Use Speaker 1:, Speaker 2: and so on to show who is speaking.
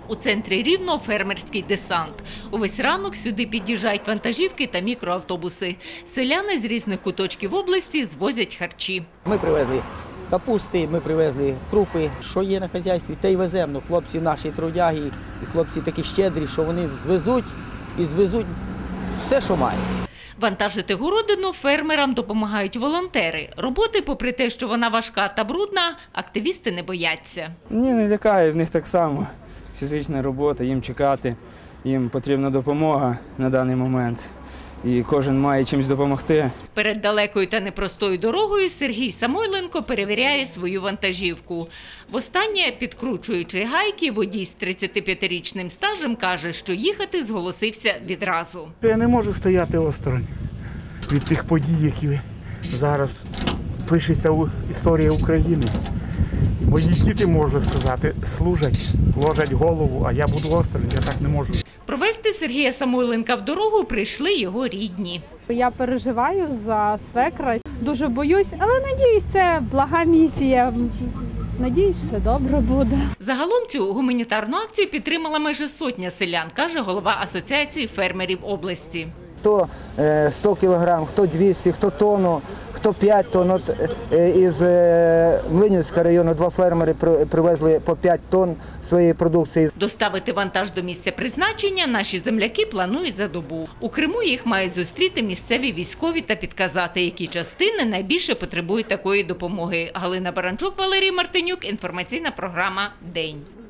Speaker 1: У центрі Рівного фермерський десант. Увесь ранок сюди під'їжджають вантажівки та мікроавтобуси. Селяни з різних куточків області звозять харчі.
Speaker 2: Ми привезли капусти, ми привезли крупи, що є на хазяйстві, те й веземо. Хлопці наші трудяги і хлопці такі щедрі, що вони звезуть все, що мають.
Speaker 1: Вантажити городину фермерам допомагають волонтери. Роботи, попри те, що вона важка та брудна, активісти не бояться.
Speaker 3: Ні, не лякає, в них так само. Фізична робота, їм чекати, їм потрібна допомога на даний момент. І кожен має чимось допомогти.
Speaker 1: Перед далекою та непростою дорогою Сергій Самойленко перевіряє свою вантажівку. Востаннє, підкручуючи гайки, водій з 35-річним стажем каже, що їхати зголосився відразу.
Speaker 4: Я не можу стояти осторонь від тих подій, які зараз пишеться історія України. Мої діти, можу сказати, служать, ложать голову, а я буду осторонь, я так не можу.
Speaker 1: Провести Сергія Самойленка в дорогу прийшли його рідні.
Speaker 5: Я переживаю за свекра, дуже боюсь, але надіюсь, це блага місія. Надіюсь, все добре буде.
Speaker 1: Загалом цю гуманітарну акцію підтримала майже сотня селян, каже голова Асоціації фермерів області.
Speaker 6: Хто 100 кілограм, хто 200, хто тонну, хто 5 тонн. От із Млинівського району 2 фермери привезли по 5 тонн своєї продукції.
Speaker 1: Доставити вантаж до місця призначення наші земляки планують за добу. У Криму їх мають зустріти місцеві військові та підказати, які частини найбільше потребують такої допомоги. Галина Баранчук, Валерій Мартинюк. Інформаційна програма «День».